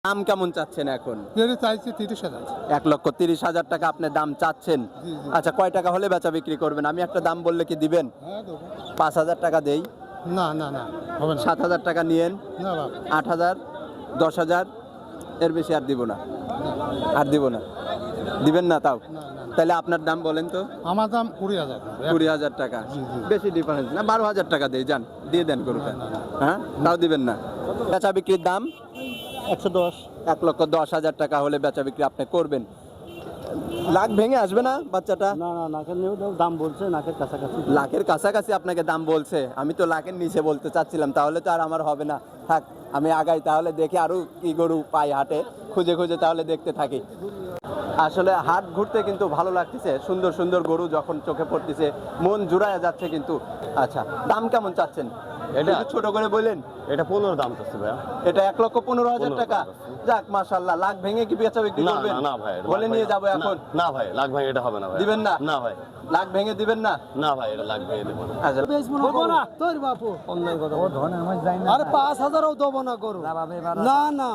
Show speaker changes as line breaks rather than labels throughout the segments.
দাম কেমন চাচ্ছেন এখন?
চাইছি 30,000।
1,30,000 টাকা আপনি দাম চাচ্ছেন। আচ্ছা, কয় টাকা হলে বেচা বিক্রি করবেন? আমি একটা দাম বললে কি দিবেন? 5,000 টাকা দেই?
না না না, হবে না।
7,000 টাকা নিয়েন।
না বাবা,
8,000, 10,000, এর বেশি আর দিব না। আর দিব না, দিবেন না তাও?
না না।
তাহলে আপনার দাম বলেন তো।
আমার দাম 20,000।
20,000 টাকা? বেশি ডিফারেন্স না, 12,000 টাকা দেই, যান দিয়ে দেন গরুটা। হ্যাঁ, তাও দিবেন না? বেচা বিক্রির দাম
110।
1,10,000 টাকা হলে বেচা বিক্রি আপনি করবেন। লাখ ভেঙে আসবে না বাচ্চাটা?
না না, নাকের নিয়েও দাম বলছে, নাকের কাছাকাছি।
লাখের কাছাকাছি আপনাকে দাম বলছে? আমি তো লাখের নিচে বলতে চাচ্ছিলাম, তাহলে তো আর আমার হবে না। থাক, আমি আগাই, তাহলে দেখি আরো কি গরু পাই হাটে, খুঁজে খুঁজে তাহলে দেখতে থাকি। আসলে হাট ঘুরতে কিন্তু ভালো লাগতেছে, সুন্দর সুন্দর গরু যখন চোখে পড়তেছে মন জুড়ায় যাচ্ছে কিন্তু। আচ্ছা, দাম কেমন চাচ্ছেন?
এটা
একটু ছোট করে বললেন।
এটা 15 দাম চাচ্ছে ভাইয়া।
এটা 1,15,000 টাকা? যাক, মাশাআল্লাহ। লাখ ভেঙে কি বেচা বিক্রি
না
করবেন?
না না ভাই,
বলে নিয়ে যাবো এখন?
না ভাই, লাখ ভাই এটা হবে না ভাই।
দিবেন না?
না ভাই,
লাখ ভেঙে দিবেন না?
না ভাই, এটা লাখ ভাই দেব না।
আচ্ছা,
বলবো না তোর বাপু, অন্যায় কথা। ও ধনে আমার যাই না। আরে 5,000ও দেব না করো। না না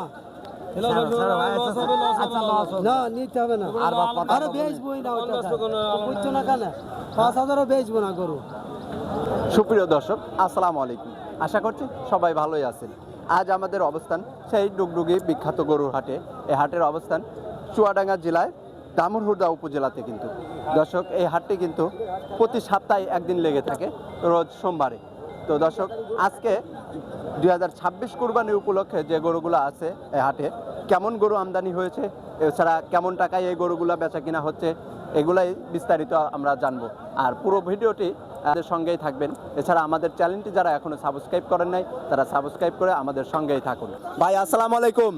না, নিতে হবে না। আরে বেচবই না, ওটা বুঝছো না কেন? 5,000ও বেচবো না করো।
সুপ্রিয় দর্শক, আসসালামু আলাইকুম। আশা করছি সবাই ভালোই আছেন। আজ আমাদের অবস্থান সেই ডুগডুগি বিখ্যাত গরুর হাটে। এই হাটের অবস্থান চুয়াডাঙ্গা জেলায় দামুড়হুদা উপজেলাতে কিন্তু। দর্শক, এই হাটটি কিন্তু প্রতি সপ্তাহে একদিন লেগে থাকে, রোজ সোমবারে। তো দর্শক, আজকে 2026 কুরবানি উপলক্ষে যে গরুগুলো আছে এই হাটে, কেমন গরু আমদানি হয়েছে, এছাড়া কেমন টাকায় এই গরুগুলো বেচা কিনা হচ্ছে, এগুলাই বিস্তারিত আমরা জানবো। আর পুরো ভিডিওটি আমাদের সঙ্গেই থাকবেন। এছাড়া আমাদের চ্যানেলটি যারা এখনো সাবস্ক্রাইব করেন নাই, তারা সাবস্ক্রাইব করে আমাদের সঙ্গেই থাকুন। ভাই, আসসালামু আলাইকুম।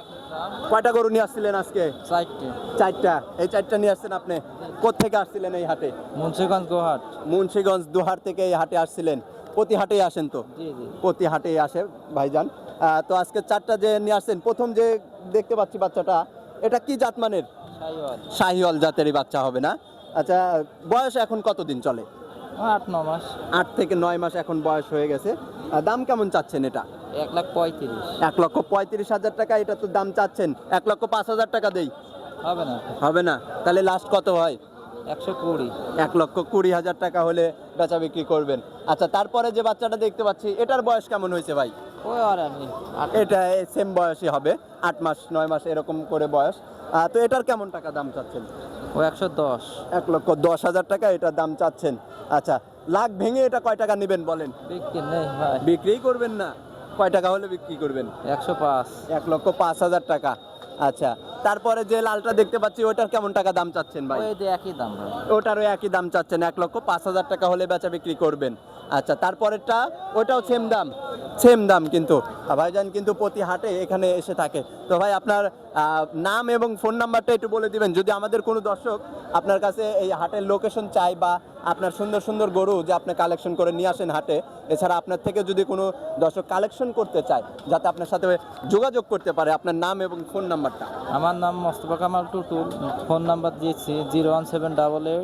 কয়টা গরু নিয়ে আসছিলেন আজকে? 4টা। এই 4টা নিয়ে আসছেন আপনি? কোত্থেকে আসছিলেন এই হাটে?
মুন্সিগঞ্জ গোহাট।
মুন্সিগঞ্জ দুহার থেকে এই হাটে আসছিলেন? প্রতি হাটেই আসেন তো?
জি জি।
প্রতি হাটেই আসে ভাইজান। তো আজকে 4টা যে নিয়ে আসছেন, প্রথম যে দেখতে পাচ্ছি বাচ্চাটা, এটা কি জাতমানের?
শাহিওয়াল।
শাহিওয়াল জাতেরই বাচ্চা হবে না? আচ্ছা, বয়স এখন কতদিন চলে?
8-9 মাস।
8 থেকে 9 মাস এখন বয়স হয়ে গেছে। দাম কেমন চাচ্ছেন এটা?
1,35,000।
1,35,000 টাকা এটা তো দাম চাচ্ছেন। 1,05,000 টাকা দেই?
হবে না।
হবে না? তাহলে লাস্ট কত হয়?
120।
1,20,000 টাকা হলে বেচা বিক্রি করবেন। আচ্ছা, তারপরে যে বাচ্চাটা দেখতে পাচ্ছি, এটার বয়স কেমন হয়েছে ভাই?
ওই আর আমি
এটা সেম বয়সই হবে, 8 মাস 9 মাস এরকম করে বয়স। তো এটার কেমন টাকা দাম চাচ্ছেন?
ও 110।
1,10,000 টাকা এটা দাম চাচ্ছেন। আচ্ছা, লাখ ভেঙে এটা কয় টাকা নেবেন বলেন?
বিক্রি নেই ভাই।
বিক্রিই করবেন না? কয় টাকা হলে বিক্রি করবেন?
105।
1,05,000 টাকা। আচ্ছা, তারপরে যে লালটা দেখতে পাচ্ছি, ওটার কেমন টাকা দাম চাচ্ছেন ভাই?
ওই যে একই দাম ভাই।
ওটারও একই দাম চাচ্ছেন, 1,05,000 টাকা হলে বেচা বিক্রি করবেন। আচ্ছা, তারপরেরটা ওটাও সেম দাম? সেম দাম কিন্তু। ভাইজান কিন্তু প্রতি হাটে এখানে এসে থাকে। তো ভাই, আপনার নাম এবং ফোন নাম্বারটা একটু বলে দিবেন, যদি আমাদের কোনো দর্শক আপনার কাছে এই হাটের লোকেশন চাই, বা আপনার সুন্দর সুন্দর গরু যে আপনি কালেকশন করে নিয়ে আসেন হাটে, এছাড়া আপনার থেকে যদি কোনো দর্শক কালেকশন করতে চায়, যাতে আপনার সাথে যোগাযোগ করতে পারে, আপনার নাম এবং ফোন নাম্বারটা।
আমার নাম মোস্তফা কামাল টুটুল। ফোন নাম্বার দিয়েছি 01788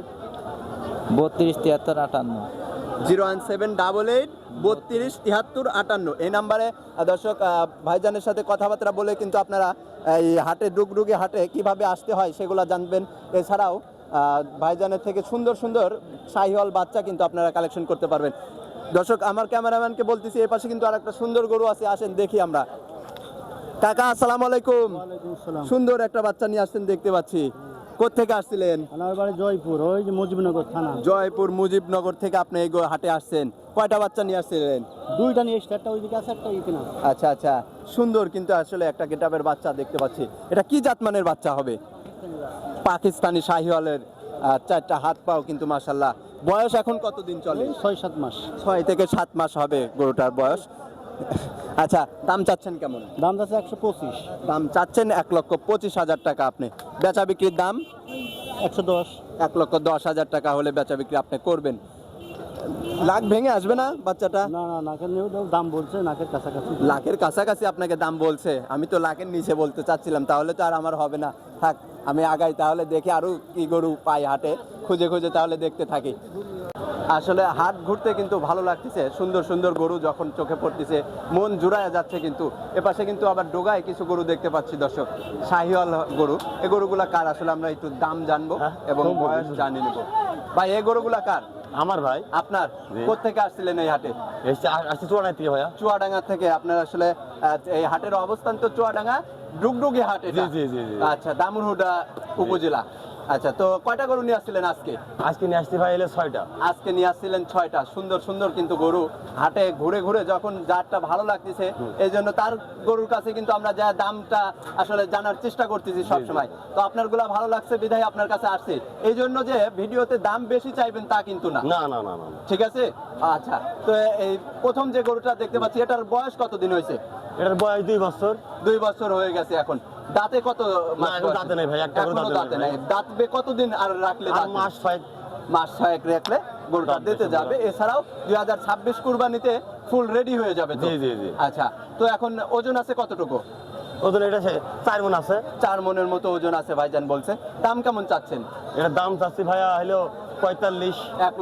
32 73 58।
01788 32 73 58। এই নাম্বারে দর্শক ভাইজানের সাথে কথাবার্তা বলে কিন্তু আপনারা এই হাটে, ডুগডুগি হাটে কিভাবে আসতে হয় সেগুলো জানবেন। এছাড়াও ভাইজানের থেকে সুন্দর সুন্দর শাহিওয়াল বাচ্চা কিন্তু আপনারা কালেকশন করতে পারবেন। দর্শক, আমার ক্যামেরাম্যানকে বলতেছি, এই পাশে কিন্তু আরেকটা সুন্দর গরু আছে, আসেন দেখি আমরা। কাকা, আসসালামু আলাইকুম। সুন্দর একটা বাচ্চা নিয়ে আসছেন দেখতে পাচ্ছি। কোত্থেকে আসছিলেন?
আমার বাড়ি জয়পুর, ওই যে মুজিবনগর থানা।
জয়পুর মুজিবনগর থেকে আপনি এই হাটে আসছেন। কয়টা বাচ্চা নিয়ে আসছিলেন?
2টা নিয়ে এসছে, একটা ওইদিকে আছে, একটা এইখানে আছে।
আচ্ছা আচ্ছা, সুন্দর কিন্তু আসলে একটা গেটাবের বাচ্চা দেখতে পাচ্ছি। এটা কি জাতমানের বাচ্চা হবে? পাকিস্তানি শাহিওয়ালের। 4টা হাত পাও কিন্তু মাশাআল্লাহ। বয়স এখন কতদিন চলে?
6-7 মাস।
6 থেকে 7 মাস হবে গরুটার বয়স। আচ্ছা, দাম চাচ্ছেন কেমন?
দাম আছে 125।
দাম চাচ্ছেন 1,25,000 টাকা আপনি। বেচা বিক্রির দাম
110।
1,10,000 টাকা হলে বেচা বিক্রি আপনি করবেন। লাখ ভেঙে আসবে না বাচ্চাটা?
না না, নাকের নিয়েও দাম বলছে, নাকের কাছাকাছি।
লাখের কাছাকাছি আপনাকে দাম বলছে? আমি তো লাখের নিচে বলতে চাচ্ছিলাম, তাহলে তো আর আমার হবে না। থাক, আমি আগাই, তাহলে দেখি আরো কি গরু পাই হাটে, খুঁজে খুঁজে তাহলে দেখতে থাকি। আসলে হাট ঘুরতে কিন্তু ভালো লাগতেছে, সুন্দর সুন্দর গরু যখন চোখে পড়তেছে মন জুড়ায় যাচ্ছে। কিন্তু এপাশে কিন্তু আবার ডোগায় কিছু গরু দেখতে পাচ্ছি দর্শক, শাহিওয়াল গরু। এই গরুগুলা কার আসলে আমরা একটু দাম জানবো এবং বয়স জানিয়ে নেবো। ভাই এই গরুগুলা কার?
আমার ভাই
আপনার?
জি।
কোত্থেকে আসছিলেন এই হাটে?
আসছে চুয়াডাঙ্গা থেকে ভাইয়া।
চুয়াডাঙ্গা থেকে। আপনার আসলে এই হাটের অবস্থান তো চুয়াডাঙ্গা ডুগডুগি হাট এটা।
জি, জি, জি, জি।
আচ্ছা, দামুরহুদা উপজেলা। আচ্ছা, তো কয়টা গরু নিয়ে আসছিলেন আজকে?
আজকে নিয়ে আসছি ভাই এলে 6টা।
আজকে নিয়ে আসছিলেন 6টা। সুন্দর সুন্দর কিন্তু গরু হাটে ঘুরে ঘুরে যখন যারটা ভালো লাগতেছে এই জন্য তার গরুর কাছে কিন্তু আমরা যা দামটা আসলে জানার চেষ্টা করতেছি সবসময়। তো আপনার গুলা ভালো লাগছে বিধায় আপনার কাছে আসছে। এই জন্য যে ভিডিওতে দাম বেশি চাইবেন তা কিন্তু না।
না না না না না।
ঠিক আছে। আচ্ছা, তো এই প্রথম যে গরুটা দেখতে পাচ্ছি এটার বয়স কতদিন হয়েছে?
এটার বয়স 2 বছর।
2 বছর হয়ে গেছে। এখন দাঁতে কত
না,
মাস
এখন
বয়স?
দাঁতে নেই ভাই, একটা গরু
এখনো
দাঁতে
দাঁতে
নেই
নাই। দাঁতবে কতদিন আর রাখলে
আর
দাঁতবে?
মাস 6।
মাস 6 রাখলে গরুটা
দাঁত
দিতে
বেশি
যাবে। এছাড়াও 2026 কুরবানিতে ফুল রেডি হয়ে যাবে তো?
জি, জি, জি।
আচ্ছা, তো এখন ওজন আছে কতটুকু?
ওদের এটা 4 মণ আছে।
4 মনের মতো ওজন আছে ভাইজান বলছে। দাম কেমন চাচ্ছেন?
এটার দাম চাচ্ছি ভাইয়া হলো 45।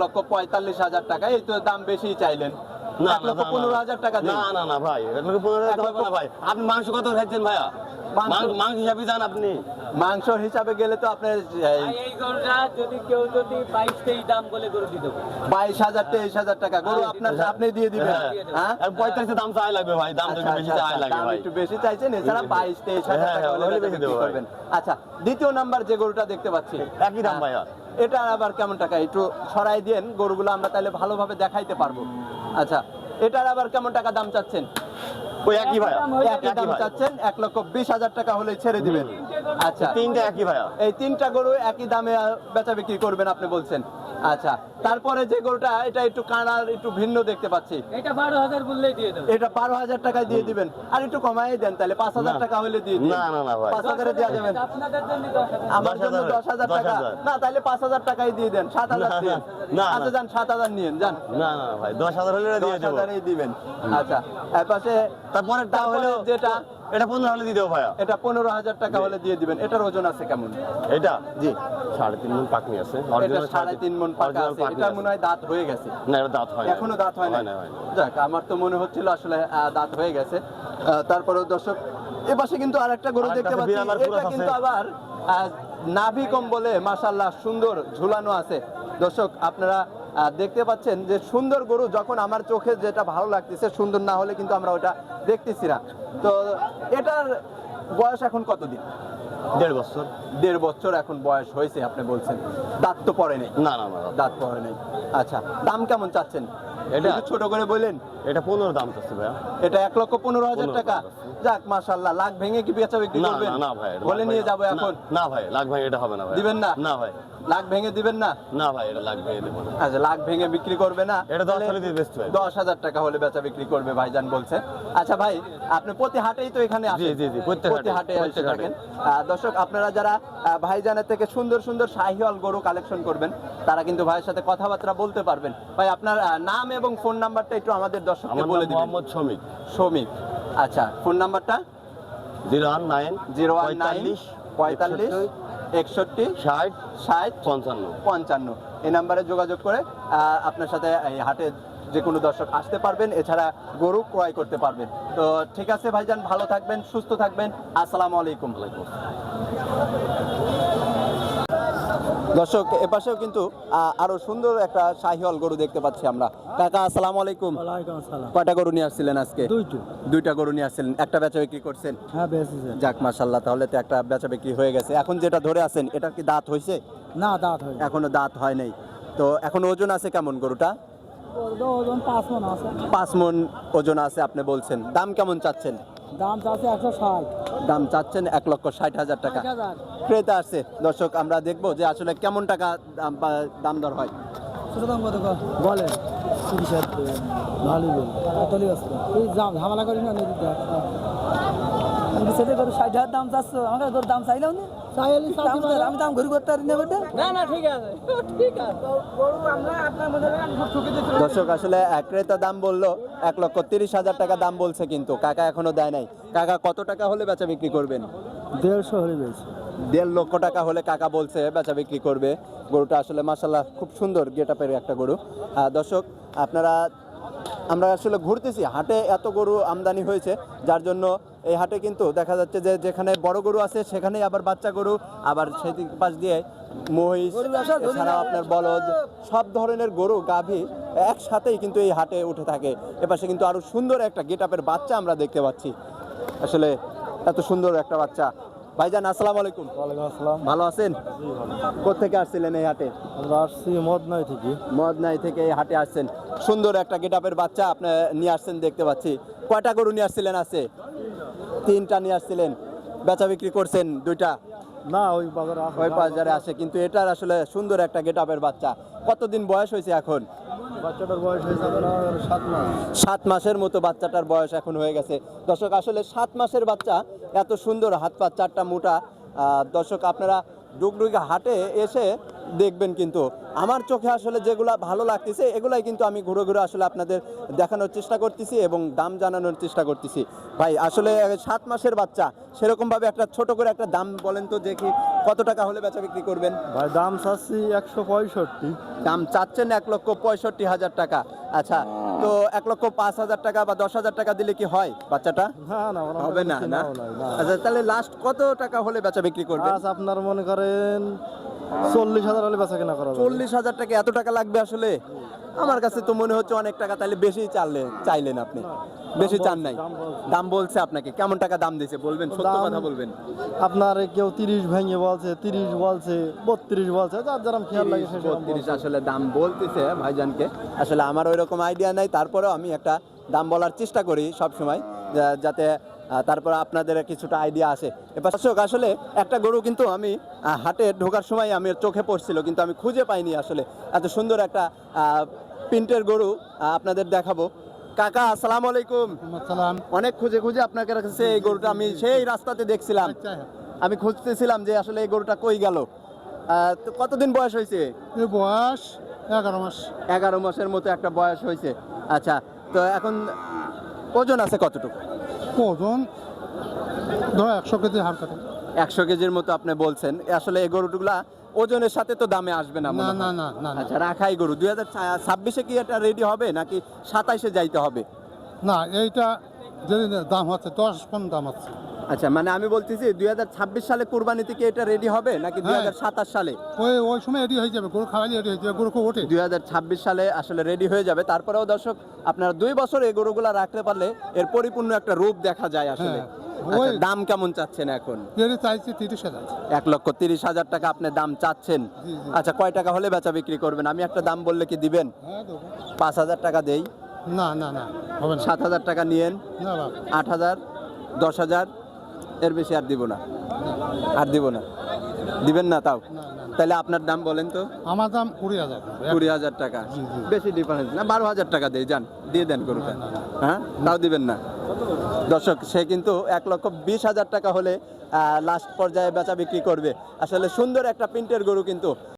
1,45,000 টাকা। এই তো দাম বেশি চাইলেন।
না,
1,15,000 টাকা দিন।
না না না ভাই, 1,15,000 টাকা হবে না ভাই। আপনি মাংস কত খাইছেন ভাইয়া?
মাংস-
মাংস হিসাবে যান আপনি।
মাংসর হিসাবে গেলে তো আপনার
এই গরুটা যদি কেউ যদি 22-23 দাম বলে গরু দিয়ে দেবো।
22,000 23,000 টাকা গরু আপনার আপনি দিয়ে দিবেন। হ্যাঁ,
আর 45 দাম চাই লাগবে ভাই, দাম
আচ্ছা,
একটু বেশি
আচ্ছা,
চাই লাগে
দাম
ভাই।
একটু বেশি চাইছেন। এছাড়া 22-23,000
হ্যাঁ,
টাকা হলে
হলে
বেচা
বেশি
বিক্রি
দেবো ভাই।
করবেন। আচ্ছা, দ্বিতীয় নাম্বার যে গরুটা দেখতে পাচ্ছি
একই দাম ভাইয়া।
এটা আবার কেমন টাকা? একটু সরাই দেন গরুগুলো আমরা তাহলে ভালোভাবে দেখাইতে পারবো। আচ্ছা, এটার আবার কেমন টাকা দাম চাচ্ছেন?
ওই একই ভাইয়া।
একই দাম
ভাই।
চাচ্ছেন। 1,20,000 টাকা হলে ছেড়ে দিবেন। আচ্ছা,
তিনটা একই ভাইয়া।
এই 3টা গরু একই দামে বেচা বিক্রি করবেন আপনি বলছেন। আচ্ছা, তারপরে যে গরুটা এটা একটু কানার একটু ভিন্ন দেখতে পাচ্ছি,
এটা 12,000 বললেই দিয়ে দেবো।
এটা 12,000 টাকায় দিয়ে দিবেন। আর একটু কমাই দেন তাহলে 5,000 টাকা হলে দিয়ে দিন।
না, না, না ভাই।
5,000 এ দেওয়া যাবেন।
আপনাদের জন্য 10,000।
আমার জন্য 10,000 টাকা
10,000
না, তাহলে 5,000 টাকাই দিয়ে দেন। 7,000
না,
দিন।
না,
আচ্ছা,
না।
যান 7,000 নিয়েন, যান।
না না না ভাই, 10,000 হলে দিয়ে দেবো।
10,000 দিবেন। আচ্ছা, এর পাশে
তারপরেরটা হলো
যেটা
এটা 15 হলে দিয়ে দেবো ভাইয়া।
এটা 15,000 টাকা হলে দিয়ে দিবেন। এটার ওজন আছে কেমন?
এটা
জি,
3.5 মণ পাকনি আছে।
এটা
Original
3.5 মণ পাকা
original
আছে।
পাকনি
এটা
আছে।
মনে হয় দাঁত হয়ে গেছে।
না, এটা দাঁত হয় না।
এখনো দাঁত হয় না।
হয় না, হয় না।
যাক, আমার তো মনে হচ্ছিল আসলে দাঁত হয়ে গেছে। তারপরে দর্শক এ পাশে কিন্তু আরেকটা গরু
আরেকটা
দেখতে
আছে,
পাচ্ছি।
বিড়াল আর
এটা
কুরাস
কিন্তু
আছে।
আবার নাভি কম্বলে মাশাআল্লাহ সুন্দর ঝুলানো আছে। দর্শক আপনারা দেখতে পাচ্ছেন যে সুন্দর গরু যখন আমার চোখে যেটা ভালো লাগতেছে, সুন্দর না হলে কিন্তু আমরা ওটা দেখতেছি না। তো এটার বয়স এখন কতদিন?
1.5 বছর।
1.5 বছর এখন বয়স হয়েছে আপনি বলছেন। দাঁত তো পড়ে নেই।
না না না না।
দাঁত পড়ে নেই। আচ্ছা, দাম কেমন চাচ্ছেন?
এটা?
একটু ছোট করে বললেন।
এটা 15 দাম চাচ্ছি ভাইয়া।
এটা 1,15,000 টাকা।
15,000
যাক, মাশাআল্লাহ। লাখ ভেঙে কি বেচা বিক্রি
না
করবেন?
না না ভাই, এটা
বলে
লাখ
নিয়ে
ভাই-
যাবো
না,
এখন।
না ভাই, লাখ ভাই এটা হবে না ভাই।
দিবেন না?
না ভাই।
লাখ ভেঙে দিবেন না?
না ভাই, এটা লাখ ভেঙে দেবো না।
আচ্ছা, লাখ ভেঙে বিক্রি করবে না?
এটা 10
তাহলে
হলে দিয়ে বেচতে হবে।
10,000 টাকা হলে বেচা বিক্রি করবে ভাইজান বলছে। আচ্ছা ভাই, আপনি প্রতি হাটেই তো এখানে আসেন?
জি, জি, প্রত্যেক
প্রতি হাটে
হাটে,
এসে
প্রত্যেক
থাকেন। দর্শক আপনারা যারা ভাইজানের থেকে সুন্দর সুন্দর শাহিওয়াল গরু কালেকশন করবেন তারা কিন্তু ভাইয়ের সাথে কথাবার্তা বলতে পারবেন। ভাই, আপনার নাম এবং ফোন নাম্বারটা একটু আমাদের দর্শককে
আমার
বলে
নাম
দিবেন।
মোহাম্মদ শমিক।
শ্রমিক। আচ্ছা, ফোন নাম্বারটা?
019
019 45 61
60
60
55।
55 এই নাম্বারে যোগাযোগ করে আপনার সাথে এই হাটে যে কোনো দর্শক আসতে পারবেন। এছাড়া গরু ক্রয় করতে পারবেন। তো ঠিক আছে ভাইজান, ভালো থাকবেন, সুস্থ থাকবেন। আসসালামু আলাইকুম। দর্শক এপাশেও কিন্তু আরো সুন্দর একটা শাহিওয়াল গরু দেখতে পাচ্ছি আমরা। কাকা আসসালামু আলাইকুম।
ওয়ালাইকুম আসসালাম।
কয়টা গরু নিয়ে আসছিলেন আজকে?
দুইটো।
2টা গরু নিয়ে আসছিলেন। একটা বেচা বিক্রি করছেন?
হ্যাঁ, বেশিছে।
যাক, মাশাআল্লাহ, তাহলে তো একটা বেচা বিক্রি হয়ে গেছে। এখন যেটা ধরে আছেন এটা কি দাঁত হয়েছে?
না, দাঁত হয়।
এখনো দাঁত হয় নাই। তো এখন ওজন আছে কেমন গরুটা?
ওজন 5 মণ আছে।
5 মণ ওজন আছে আপনি বলছেন। দাম কেমন চাচ্ছেন?
দাম চাচ্ছে 160।
দাম চাচ্ছেন 1,60,000 টাকা।
60,000।
ক্রেতা আছে। দর্শক আমরা দেখবো যে আসলে কেমন টাকা দাম দর হয়।
ছোট দাম কত বলে? 30,000। ভালোই বল। তাহলে আসবে। এই ঝামেলা করি না নদী দেখ। আমি সেটা করে 60,000 দাম চাচ্ছ। আমাকে তোর দাম চাইলাম না। আমি দাম ঘুরি করতে পারি না বেটা।
না না, ঠিক আছে, ঠিক আছে। গরু আমরা আপনার মধ্যে ঠকে দিতে।
দর্শক আসলে ক্রেতা দাম বললো 1,30,000 টাকা দাম বলছে, কিন্তু কাকা এখনো দেয় নাই। কাকা কত টাকা হলে বেচা বিক্রি করবেন?
150 হলে বেশি
1.5 লক্ষ টাকা হলে কাকা বলছে বেচা বিক্রি করবে। গরুটা আসলে মাশাল্লাহ খুব সুন্দর গেটআপের একটা গরু। দর্শক আপনারা, আমরা আসলে ঘুরতেছি হাটে, এত গরু আমদানি হয়েছে যার জন্য এই হাটে কিন্তু দেখা যাচ্ছে যে যেখানে বড় গরু আছে সেখানেই আবার বাচ্চা গরু, আবার সেই পাশ দিয়ে মহিষ, এছাড়াও আপনার বলদ, সব ধরনের গরু গাভী একসাথেই কিন্তু এই হাটে উঠে থাকে। এপাশে কিন্তু আরো সুন্দর একটা গেটআপের বাচ্চা আমরা দেখতে পাচ্ছি। আসলে এত সুন্দর একটা বাচ্চা। ভাইজান আসসালামু আলাইকুম।
ওয়ালাইকুম আসসালাম।
ভালো আছেন? কোত্থেকে আসছিলেন এই হাটে?
আমরা আসছি মদনাই থেকে।
মদনাই থেকে এই হাটে আসছেন, সুন্দর একটা গেটআপের বাচ্চা আপনি নিয়ে আসছেন দেখতে পাচ্ছি। কয়টা গরু নিয়ে আসছিলেন? আছে 3টা নিয়ে আসছিলেন, বেচা বিক্রি করছেন 2টা?
না, ওই বাজারে
ওই বাজারে আসে, কিন্তু এটার আসলে সুন্দর একটা গেটআপের বাচ্চা। কতদিন বয়স হয়েছে এখন?
বাচ্চাটার বয়স হয়েছে 7 মাস।
7 মাসের মতো বাচ্চাটার বয়স এখন হয়ে গেছে। দর্শক আসলে 7 মাসের বাচ্চা, এত সুন্দর, হাত পা 4টা মোটা। দর্শক আপনারা ডুগডুগি হাটে এসে দেখবেন, কিন্তু আমার চোখে আসলে যেগুলা ভালো লাগতেছে এগুলাই কিন্তু আমি ঘুরে ঘুরে আসলে আপনাদের দেখানোর চেষ্টা করতেছি এবং দাম জানানোর চেষ্টা করতেছি। ভাই আসলে 7 মাসের বাচ্চা, সেরকমভাবে একটা ছোট করে একটা দাম বলেন তো দেখি, কত টাকা হলে বেচা বিক্রি করবেন?
ভাই দাম চাচ্ছি 165।
দাম চাচ্ছেন 1,65,000 টাকা। আচ্ছা, তো 1,05,000 টাকা বা 10,000 টাকা দিলে কি হয় বাচ্চাটা?
না
হবে না, না? আচ্ছা, তাহলে লাস্ট কত টাকা হলে বেচা বিক্রি করবেন?
আজ আপনার মনে করেন 40,000 হলে বেচা কেনা করা যাবে।
40,000 টাকা? এত টাকা লাগবে আসলে? আমার কাছে তো মনে হচ্ছে অনেক টাকা। তাহলে বেশি চাইলেন আপনি, বেশি চান নাই? দাম বলছে আপনাকে কেমন টাকা দাম দিয়েছে বলবেন, সত্য কথা বলবেন।
আপনার কেউ 30 ভেঙে বলছে, 30 বলছে, 32 বলছে, যার যেরকম খেয়াল লাগে সে
32 আসলে দাম বলতেছে ভাইজানকে। আসলে আমার ওই রকম আইডিয়া নাই, তারপরেও আমি একটা দাম বলার চেষ্টা করি সব সময়, যাতে তারপর আপনাদের কিছুটা আইডিয়া আসে। এবার দর্শক আসলে একটা গরু কিন্তু আমি হাটে ঢোকার সময় আমি চোখে পড়ছিল, কিন্তু আমি খুঁজে পাইনি। আসলে এত সুন্দর একটা প্রিন্টের গরু আপনাদের দেখাবো। কাকা আসসালামু আলাইকুম। অনেক খুঁজে খুঁজে আপনার কাছে এই গরুটা আমি সেই রাস্তাতে দেখছিলাম, আমি খুঁজতেছিলাম যে আসলে এই গরুটা কই গেল। তো কতদিন বয়স হয়েছে?
বয়স 11 মাস।
11 মাসের মতো একটা বয়স হয়েছে। আচ্ছা, তো এখন ওজন আছে কতটুকু?
ওজন ধরো 100 কেজি হাড় কাটে।
100 কেজির মতো আপনি বলছেন। আসলে এই গরুগুলা ওজনের সাথে তো দামে আসবে না মনে হয়।
না।
আচ্ছা, রাখাই গরু 2026-এ কি এটা রেডি হবে নাকি 27-এ যাইতে হবে?
না, এইটা যে দাম হচ্ছে 10 কোন দাম আছে।
আচ্ছা, মানে আমি বলতেছি 2026 সালে কুরবানিতে কি এটা রেডি হবে নাকি 2027 সালে?
ওই সময় রেডি হয়ে যাবে, গরু খাওয়ালে রেডি হয়ে যাবে, গরু খুব ওঠে।
2026 সালে আসলে রেডি হয়ে যাবে। তারপরেও দর্শক আপনারা 2 বছর এই গরুগুলা রাখতে পারলে এর পরিপূর্ণ একটা রূপ দেখা যায় আসলে। আচ্ছা, দাম কেমন চাচ্ছেন এখন?
এর চাইছে 30,000।
1,30,000 টাকা আপনি দাম চাচ্ছেন। আচ্ছা, কয় টাকা হলে বেচা বিক্রি করবেন? আমি একটা দাম বললে কি দিবেন?
হ্যাঁ দেবো।
5,000 টাকা দেই?
না হবে না।
7,000 টাকা নিয়েন?
না বাবা।
8,000, 10,000, এর বেশি আর দিব না, আর দিব না। দিবেন না তাও? তাহলে আপনার দাম বলেন তো।
আমার দাম 20,000।
20,000 টাকা? বেশি ডিফারেন্স না, 12,000 টাকা দেই, যান দিয়ে দেন গরুটা। হ্যাঁ, তাও দিবেন না? দর্শক সে কিন্তু 1,20,000 টাকা হলে লাস্ট পর্যায়ে বেচা বিক্রি করবে। আসলে সুন্দর একটা প্রিন্টের গরু কিন্তু।